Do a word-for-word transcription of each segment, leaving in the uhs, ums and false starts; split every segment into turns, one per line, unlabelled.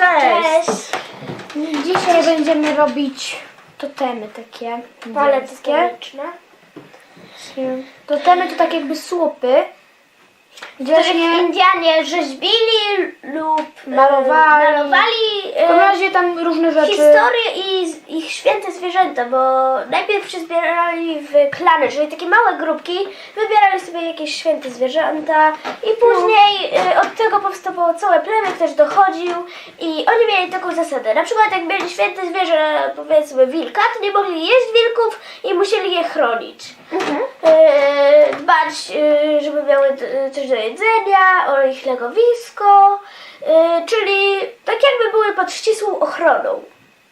Cześć!
Cześć!
Dzisiaj będziemy robić totemy takie.
Palety
niebieskie.
słoneczne.
Totemy to tak jakby słupy. Gdzie
Których
właśnie
Indianie rzeźbili lub e,
malowali.
malowali
w każdym
e,
razie tam różne rzeczy.
historię i z- ich święte zwierzęta, bo najpierw się zbierali w klany, czyli takie małe grupki, wybierali sobie jakieś święte zwierzęta i później e, od tego powstało całe plemię, ktoś dochodził i oni mieli taką zasadę. Na przykład jak mieli święte zwierzę, powiedzmy wilka, to nie mogli jeść wilków i musieli je chronić.
Mhm.
E, dbać, e, żeby miały d- coś do jedzenia, o ich legowisko, e, czyli tak jakby były pod ścisłą ochroną.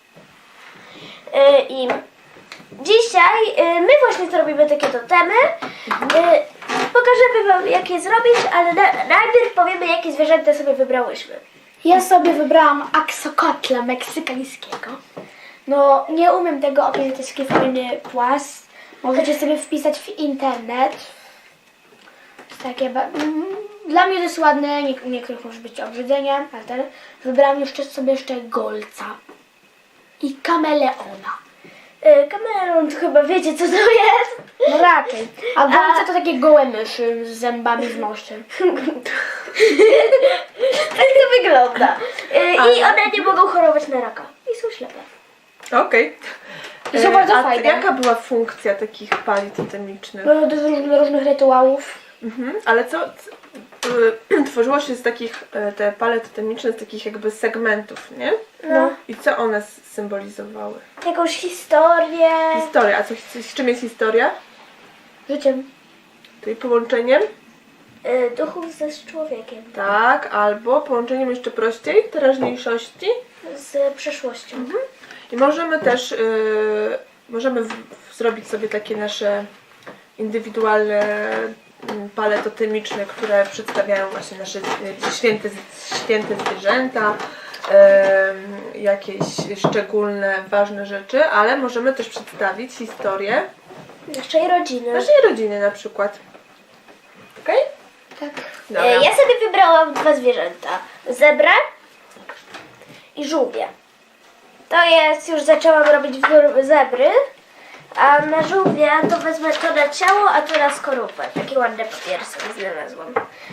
E, I dzisiaj e, my właśnie zrobimy takie totemy. E, Pokażemy wam jak je zrobić, ale na, najpierw powiemy jakie zwierzęta sobie wybrałyśmy.
Ja sobie wybrałam aksokotla meksykańskiego. No, nie umiem tego opisać, to jest taki fajny płas. Możecie sobie wpisać w internet. Jest takie ba- mm, Dla mnie to jest ładne, nie- niektórych może być obrzydzenie, ale ten wybrałam jeszcze sobie jeszcze golca i kameleona.
E, Kameleon, to chyba wiecie co to jest?
No raczej. A golce to takie gołe myszy z zębami w nosie.
Tak to wygląda. E, I one nie mogą chorować na raka. I są ślepe.
Okej.
I są
E,
bardzo
a
fajne.
jaka była funkcja takich pali totemicznych?
No, do, róż- do różnych rytuałów.
Mhm. Ale co, c- y, tworzyło się z takich, e, te pale totemiczne z takich jakby segmentów, nie?
No.
I co one s- symbolizowały?
Jakąś historię.
Historia. A co, z czym jest historia?
Życiem.
Czyli połączeniem?
e, Duchów ze z człowiekiem.
Tak, albo połączeniem jeszcze prościej, teraźniejszości.
Z przeszłością.
I możemy też y, możemy w, w zrobić sobie takie nasze indywidualne mm, pale totemiczne, które przedstawiają właśnie nasze y, święte, święte zwierzęta, y, jakieś szczególne, ważne rzeczy, ale możemy też przedstawić historię
Naszej rodziny.
naszej rodziny na przykład. Okej?
Tak.
Dobra.
E, Ja sobie wybrałam dwa zwierzęta. Zebrę i żółwie. To jest, już zaczęłam robić wzór zebry, a na żółwia to wezmę to na ciało, a to na skorupę. Takie ładne papiery sobie znalazłam.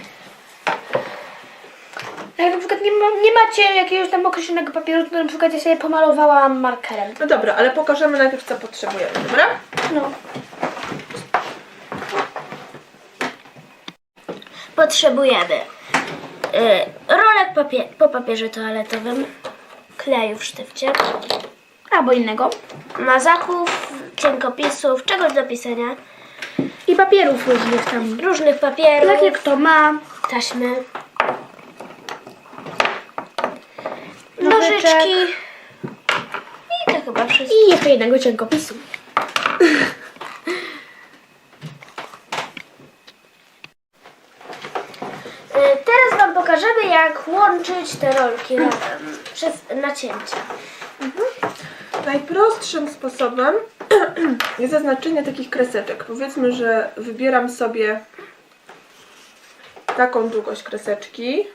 Jak na przykład nie, ma, nie macie jakiegoś tam określonego papieru, to na przykład ja sobie pomalowałam markerem.
No dobra, ale pokażemy najpierw co potrzebujemy, dobra?
No.
Potrzebujemy e, rolek papie- po papierze toaletowym, kleju w sztywcie,
Albo innego.
mazaków, cienkopisów, czegoś do pisania,
I papierów różnych tam.
różnych papierów,
Tak jak kto ma.
taśmy,
Nożyczek.
nożyczki i to chyba wszystko.
I jeszcze jednego cienkopisu.
E, Teraz Wam pokażemy, jak łączyć te rolki razem przez nacięcia.
Najprostszym sposobem jest zaznaczenie takich kreseczek. Powiedzmy, że wybieram sobie taką długość kreseczki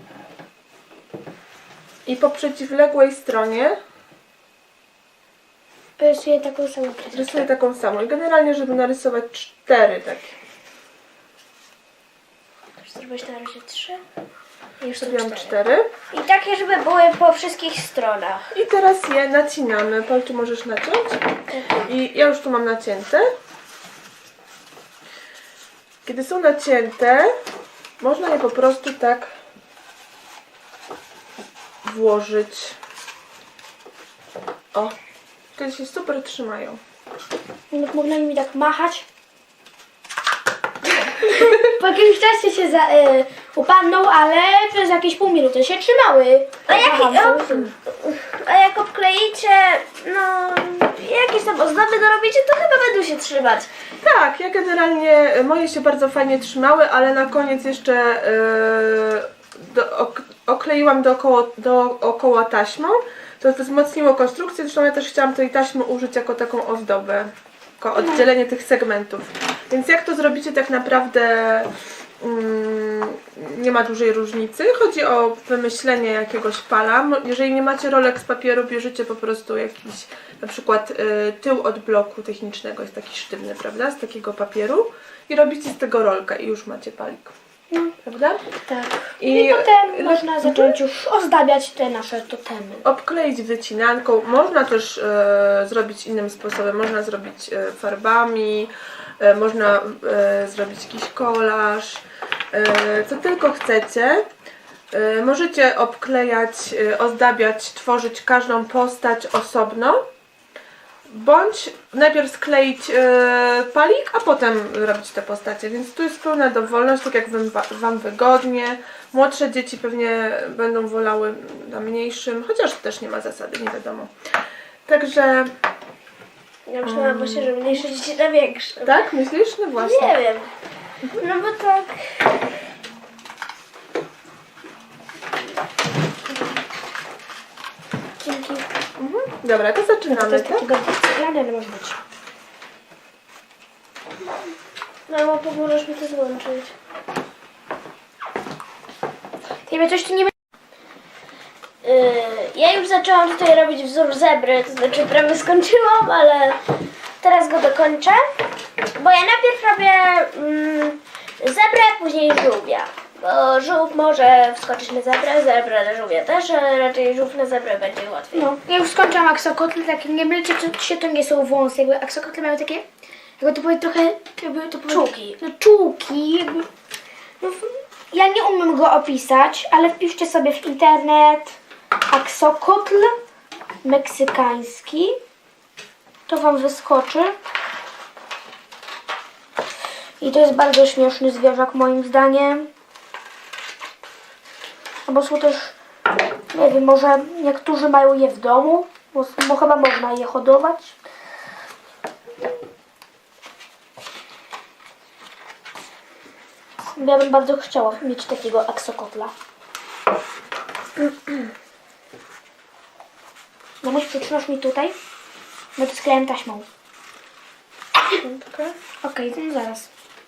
i po przeciwległej stronie
Rysuję taką samą kreskę.
rysuję taką samą. I generalnie, żeby narysować cztery takie.
Zrobić na razie trzy. I już są
Zrobiłam
cztery.
cztery.
I takie, żeby były po wszystkich stronach.
I teraz je nacinamy. Paul, czy możesz naciąć? I ja już tu mam nacięte. Kiedy są nacięte, można je po prostu tak włożyć. O, wtedy się super trzymają.
Lub można mi tak machać. Po jakimś czasie się za, y, upadną, ale przez jakieś pół minuty się trzymały.
A jak,
Macham
a,
sobie.
a jak obkleicie, no, jakieś tam ozdoby dorobicie, to chyba będą się trzymać.
Tak, ja generalnie, moje się bardzo fajnie trzymały, ale na koniec jeszcze yy, do, ok, okleiłam dookoła, dookoła taśmą. To wzmocniło konstrukcję, zresztą ja też chciałam tej taśmy użyć jako taką ozdobę, jako oddzielenie tych segmentów. Więc jak to zrobicie tak naprawdę mm, nie ma dużej różnicy. Chodzi o wymyślenie jakiegoś pala. Mo- Jeżeli nie macie rolek z papieru, bierzecie po prostu jakiś, na przykład y, tył od bloku technicznego, jest taki sztywny, prawda, z takiego papieru i robicie z tego rolkę i już macie palik.
No.
Prawda?
Tak.
I,
I potem
y,
można zacząć już ozdabiać te nasze totemy.
obkleić wycinanką. Można też e, zrobić innym sposobem. Można zrobić e, farbami, e, można e, zrobić jakiś kolaż, e, co tylko chcecie. E, możecie obklejać, e, ozdabiać, tworzyć każdą postać osobno. Bądź najpierw skleić e, palik, a potem robić te postacie, więc tu jest pełna dowolność, tak jak wam, wam wygodnie. Młodsze dzieci pewnie będą wolały na mniejszym, chociaż też nie ma zasady, nie wiadomo. Także,
Ja myślałam właśnie, że mniejsze dzieci na większe.
tak? Myślisz? No właśnie.
Nie wiem. No bo tak...
Dzięki.
Mhm. Dobra, to
To
zaczynamy,
jest
tak?
takiego ale może być.
No bo pomożesz mi to złączyć.
Ty coś tu nie
Yy, ja już zaczęłam tutaj robić wzór zebry, to znaczy prawie skończyłam, ale teraz go dokończę. Bo ja najpierw robię mm, zebrę, później żółwia. Bo żółw może wskoczyć na zebrę, zebra na żółwia też, ale raczej żółw na zebrę będzie łatwiej.
No, ja już skończyłam aksokotle, takie nie mylcie się, to nie są wąsy, jakby aksokotle mają takie, jakby to były trochę, jakby to były,
Czułki.
No, czułki, jakby, no, ja nie umiem go opisać, ale wpiszcie sobie w internet aksokotl meksykański, to wam wyskoczy. I to jest bardzo śmieszny zwierzak moim zdaniem. Albo są też, nie wiem, może niektórzy mają je w domu, bo, bo chyba można je hodować. Ja bym bardzo chciała mieć takiego aksokotla. No musisz przytrzymasz mi tutaj, bo to sklejam taśmą.
Okej.
Okej, okay, no zaraz.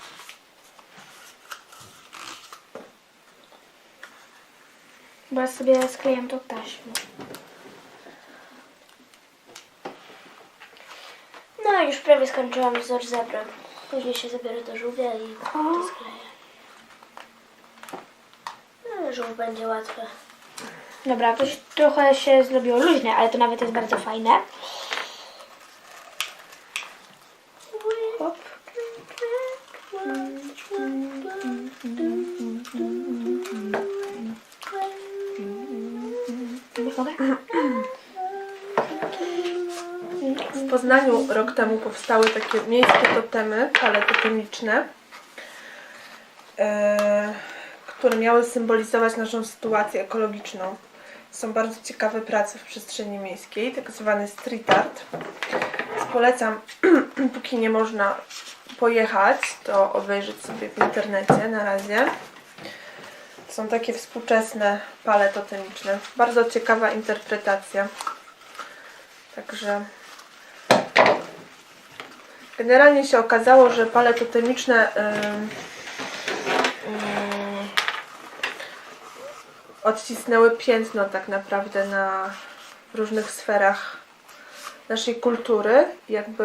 Bo ja sobie sklejam tą taśmę.
No już prawie skończyłam wzór zebry. Później się zabiorę do żółwia i to skleję. No, żółw będzie łatwy.
Dobra, to się, trochę się zrobiło luźne, ale to nawet jest bardzo fajne. Hop. Mogę?
W Poznaniu rok temu powstały takie miejskie totemy, pale totemiczne, e, które miały symbolizować naszą sytuację ekologiczną. Są bardzo ciekawe prace w przestrzeni miejskiej, tak zwany street art. Więc polecam, póki nie można pojechać, to obejrzeć sobie w internecie na razie. Są takie współczesne pale totemiczne. Bardzo ciekawa interpretacja. Także generalnie się okazało, że pale totemiczne ym, ym, odcisnęły piętno tak naprawdę na różnych sferach naszej kultury. Jakby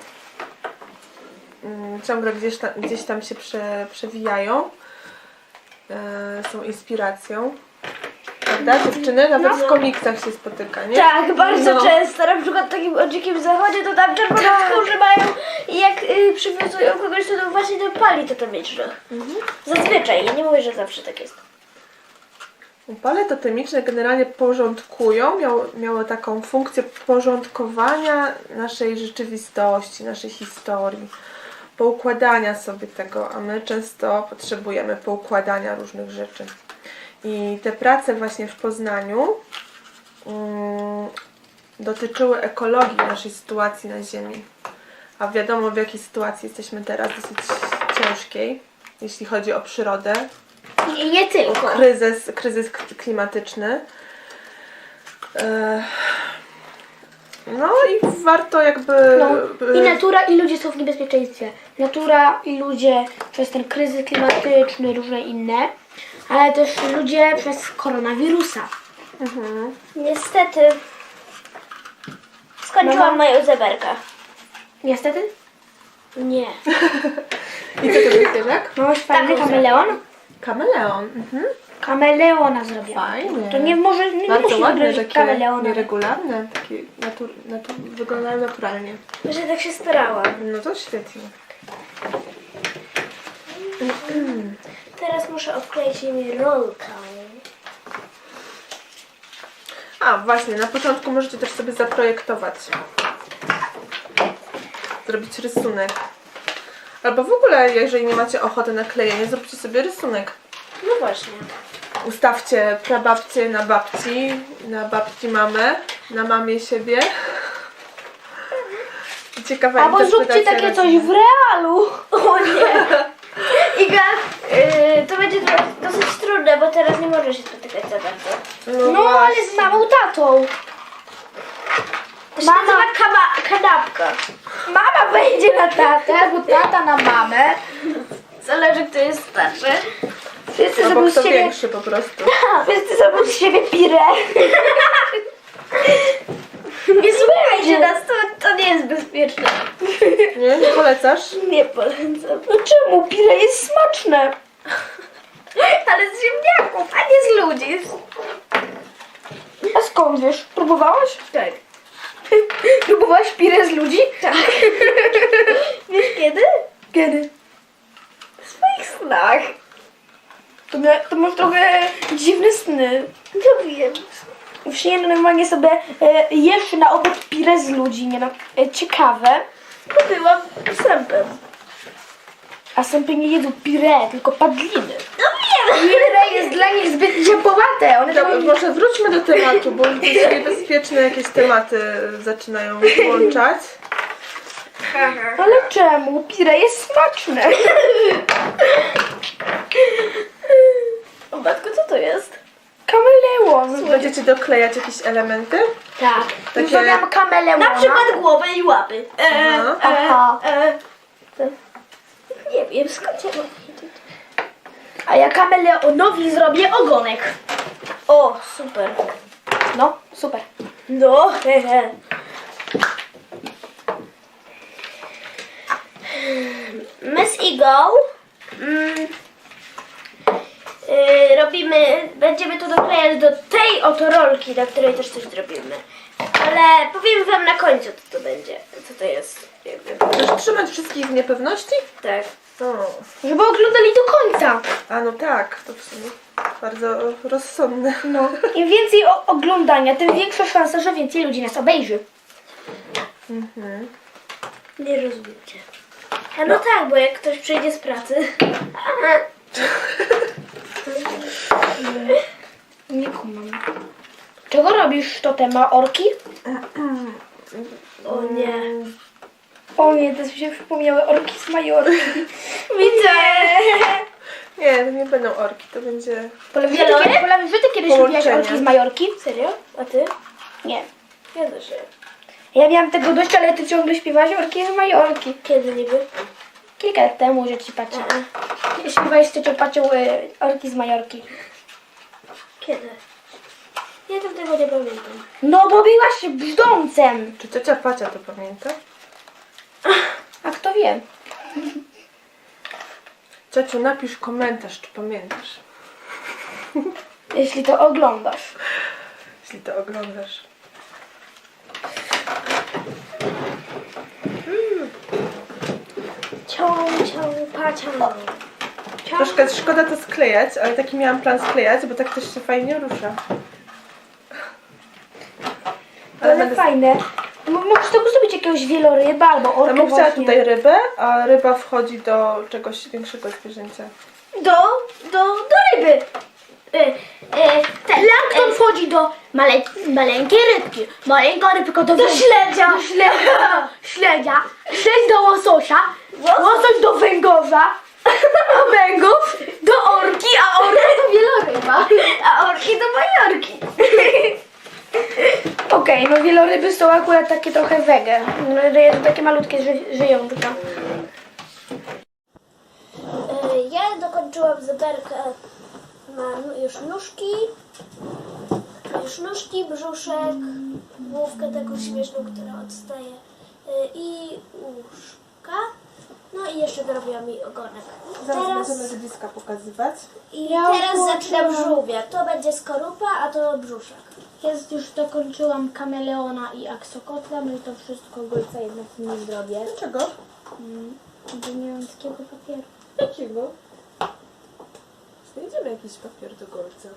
ym, ciągle gdzieś tam, gdzieś tam się prze, przewijają. Yy, są inspiracją. Prawda, dziewczyny? Nawet w komiksach się spotyka, nie?
Tak, bardzo
No.
często. Na przykład w takim o dzikim zachodzie to tam czerwone
Tak.
skórzy mają i jak y, przywiązują kogoś, to, to właśnie do pali totemicznych.
Mhm.
Zazwyczaj, ja nie mówię, że zawsze tak jest.
Pale totemiczne generalnie porządkują, miało, miało taką funkcję porządkowania naszej rzeczywistości, naszej historii, poukładania sobie tego, a my często potrzebujemy poukładania różnych rzeczy. I te prace właśnie w Poznaniu um, dotyczyły ekologii naszej sytuacji na Ziemi. A wiadomo, w jakiej sytuacji jesteśmy teraz, dosyć ciężkiej, jeśli chodzi o przyrodę.
I nie tylko.
Kryzys, kryzys klimatyczny. E, No i warto jakby...
No, i
y,
natura, i ludzie są w niebezpieczeństwie. Natura i ludzie przez ten kryzys klimatyczny, różne inne, ale też ludzie przez koronawirusa.
mhm.
Niestety skończyłam
Mama?
moją zeberkę.
Niestety.
Nie.
I co to jest zwierzak?
Masz fajny
Taką
kameleon?
Kameleon. Mhm.
Kameleona zrobię.
Fajnie.
To nie może, nie
Bardzo
musi
ładne,
zrobić
takie
kameleona.
nieregularne, takie natur, natur, wyglądają naturalnie.
Że tak się starałam.
No to świetnie.
Teraz muszę obkleić nimi rolkę.
A właśnie, na początku możecie też sobie zaprojektować. Zrobić rysunek. Albo w ogóle, jeżeli nie macie ochoty na klejenie, zróbcie sobie rysunek.
No właśnie.
Ustawcie prababcię na babci, na babci mamę, na mamie siebie. I ciekawa
Albo zróbcie
interpretacja
takie coś
rodziny.
w realu.
O nie. Iga, yy, to będzie do, dosyć trudne, bo teraz nie możesz się spotykać za bardzo.
No, ale z mamą, tatą.
To się
Mama.
nazywa kama, kanapka.
Mama wejdzie na tatę, albo tata na mamę.
Zależy, kto jest starszy.
Wszyscy
Albo
zrobią z
kto
siebie,
większy po prostu.
wszyscy zrobią z siebie pirę.
Nie słuchajcie nas, to, to nie jest bezpieczne.
Nie? Nie polecasz?
Nie polecam.
No czemu? Pire jest smaczne.
Ale z ziemniaków, a nie z ludzi.
A skąd wiesz? Próbowałaś?
Tak.
Próbowałaś pire z ludzi?
Tak. Wiesz kiedy?
Kiedy?
W swoich snach.
To, mia- to masz trochę dziwne sny.
No wiem.
W śnie normalnie sobie e, jesz na obiad pire z ludzi, nie no. E, ciekawe.
Bo byłam sępem.
A sępy nie jedzą pire, tylko padliny.
No wiem.
Pire jest dla nich zbyt ciepłowate. One
Dobra,
tam...
może wróćmy do tematu, bo już niebezpieczne jakieś tematy zaczynają włączać.
Ale czemu? Pire jest smaczne.
O matko, co to jest?
Kameleon.
Będziecie doklejać jakieś elementy?
Tak.
Takie-
Już zrobiłam kameleona.
Na przykład głowę i łapy. E,
Aha.
e,
Aha.
e, to- nie wiem, skąd ja mam wiedzieć.
A ja kameleonowi zrobię ogonek.
O, super.
No, super.
No, hehe. My z Igą mm, yy, robimy, będziemy to doklejać do tej oto rolki, na której też coś zrobimy. Ale powiem wam na końcu, co to będzie, co to jest. Jakby.
Chcesz trzymać wszystkich w niepewności?
Tak.
O.
Żeby oglądali do końca.
A no tak, to w sumie bardzo rozsądne.
No. Im więcej o- oglądania, tym większa szansa, że więcej ludzi nas obejrzy.
Mhm.
Nie rozumiecie. A no, tak, bo jak ktoś przyjdzie z pracy.
Nie kumam. Czego robisz to tema orki?
O nie.
O nie, to mi się przypomniały orki z Majorki.
Widzę.
Nie, to nie będą orki, to będzie...
Pola, że ty,
Wieloryb?
kiedy, Pola, że ty kiedyś
Połączenie.
lubiłaś orki z Majorki?
Serio? A ty?
Nie.
Ja też nie.
Ja miałam tego dość, ale ty ciągle śpiewałaś orki z Majorki.
Kiedy niby?
Kilka lat temu, że ci patrzę. Śpiewałeś z ciocią pacią y, orki z Majorki.
Kiedy? Ja tam tego nie pamiętam.
No bo byłaś brzdącem.
Czy ciocia Pacia to pamięta?
A kto wie?
Ciociu, napisz komentarz, czy pamiętasz,
Jeśli to oglądasz.
jeśli to oglądasz.
Cią, cią, pacią. Cią.
Troszkę szkoda to sklejać, ale taki miałam plan sklejać, bo tak też się fajnie rusza.
Ale
będę-
fajne. M- Możesz tego zrobić jakiegoś wieloryba albo
Ja
orkę
bym chciała
właśnie.
tutaj rybę, a ryba wchodzi do czegoś większego zwierzęcia.
Do, do, do ryby. Y, y, ten,
Plankton wchodzi do male, maleńkiej rybki. Maleńka rybka do,
Do
węg-
śledzia.
Do śledzia. śledzia. Śledź do łososia.
Łosoś.
Łosoś do węgorza. A węgorz do orki, a orka do wieloryba.
a orki do majorki.
Okej. Okej, no wieloryby są akurat takie trochę wege. No, takie malutkie ży żyjątka.
E, Ja dokończyłam zeberkę. Mam już nóżki, już nóżki, brzuszek, główkę taką śmieszną, która odstaje e, i łóżka. No i jeszcze dorobiłam mi ogonek.
Zaraz
Teraz,
będziemy z bliska pokazywać.
I
Ja
teraz
włączyłam-
zaczynam żółwia. To będzie skorupa, a to brzuszek.
Jest już dokończyłam kameleona i aksokotla, no i to wszystko golca jednak nie zrobię.
Dlaczego?
Bo nie mam takiego papieru.
Jakiego? Znajdziemy jakiś papier do golca.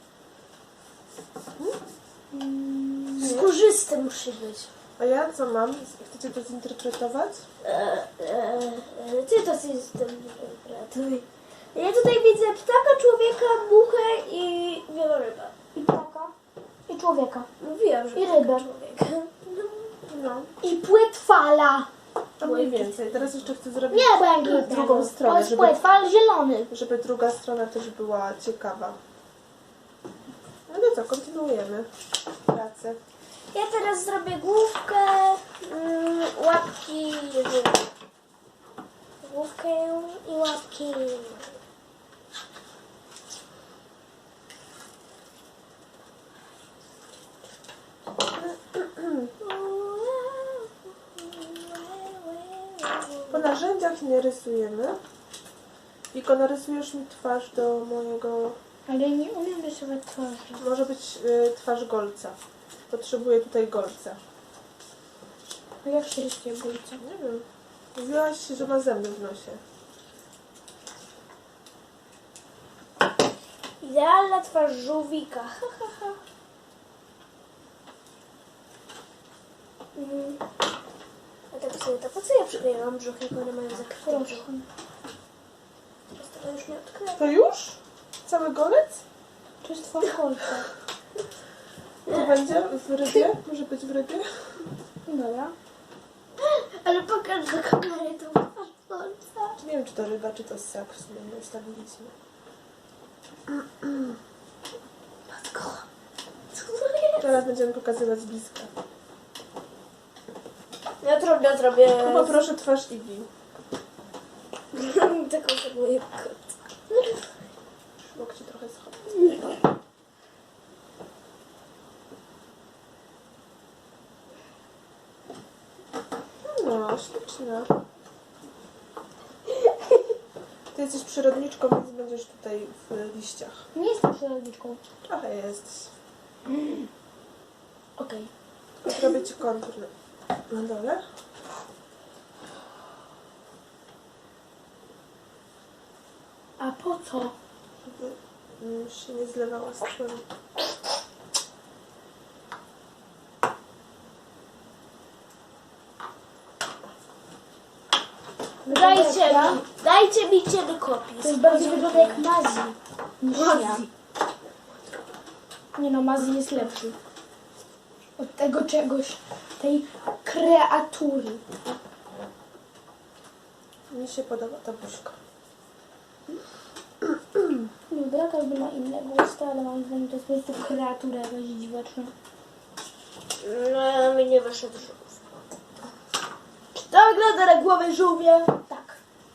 Skórzysty musi być.
A ja co mam? Chcecie to zinterpretować?
E, e, e, Ty to system interpretuj. Ja tutaj widzę ptaka, człowieka, muchę i wielorybę.
I ptaka. I człowieka.
Mówiłam, że
I
ptaka,
rybę.
człowieka.
No,
I płetwala.
to mniej więcej. Teraz jeszcze chcę zrobić
Nie, bo ja nie
drugą stronę,
To jest
żeby,
płetwal zielony.
żeby druga strona też była ciekawa. No to co, kontynuujemy pracę.
Ja teraz zrobię główkę, mm, łapki, główkę i łapki.
Po narzędziach nie rysujemy. Tylko narysujesz mi twarz do mojego...
Ale nie umiem rysować twarzy.
Może być y, twarz golca. Potrzebuję tutaj golca.
A jak się rysuje golca?
Nie wiem. Mówiłaś, że ma zęby w nosie.
Idealna twarz żółwika. Ha, ha, ha. Mm. A tak sobie to po co ja przyklejałam brzuch, jak one mają zakryty brzuch? Teraz tego już nie odkryję.
To już? Cały golec?
To jest twarz golca.
To będzie w rybie? Może być w rybie?
Dobra.
Ale pokaż do kamery tą twarz golca.
Nie wiem, czy to ryba, czy to ssak. W sumie nie ustawiliśmy.
Matko. Co to jest?
Teraz będziemy pokazywać z bliska.
Ja trudno zrobię.
No poproszę twarz Igi.
Taką samą jak kot.
Łokcie trochę schodzi. No, śliczna. Ty jesteś przyrodniczką, więc będziesz tutaj w liściach.
Nie jestem przyrodniczką.
Trochę jesteś.
Okej.
Tylko zrobię ci kontur na, na dole.
A po co?
Żeby mm, się nie zlewała z tłem.
Dajcie mi, dajcie mi cienokopis.
To jest bardziej wygląda jak Mazji niż ja. Nie no, Mazji jest lepszy. Od tego czegoś, tej kreatury.
Mi się podoba ta buźka.
Dobra, każdy ma innego usta, ale mam wrażenie, że to jest po prostu kreatura jakaś dziwaczna.
No, mi nie wyszedł żółw.
Czy to wygląda na głowę żółwia? Tak.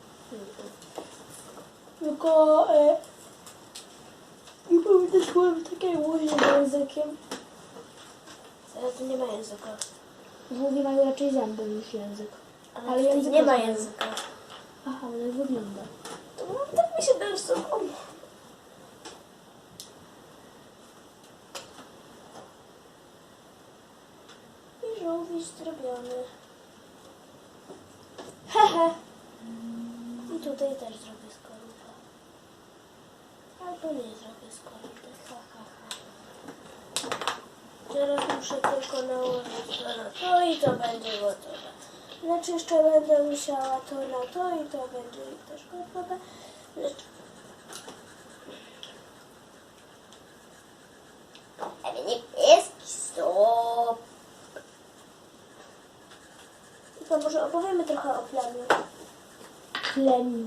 Tylko... E, nie pamiętam, takiego łożenia językiem.
Ale tu nie ma języka.
Żółwie mają raczej zęby niż język.
Ale,
Ale
tutaj
język
nie ma
też mają.
języka.
Aha, ale wygląda.
To no, tak mi się narysowało. I żółwik zrobiony. Hehe. I tutaj też zrobię skorupę. Albo nie zrobię skorupy. Ha, ha, ha. Teraz muszę tylko nałożyć to na to i to będzie gotowe. Znaczy jeszcze będę musiała to na to i to będzie też gotowe. Lecz... Ale nie jest stop. I to może opowiemy trochę o plemiu.
Plemiu.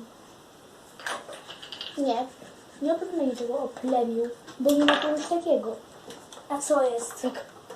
Nie. Nie opowiadamy niczego o plemiu, bo nie ma czegoś takiego.
A co jest?
Jak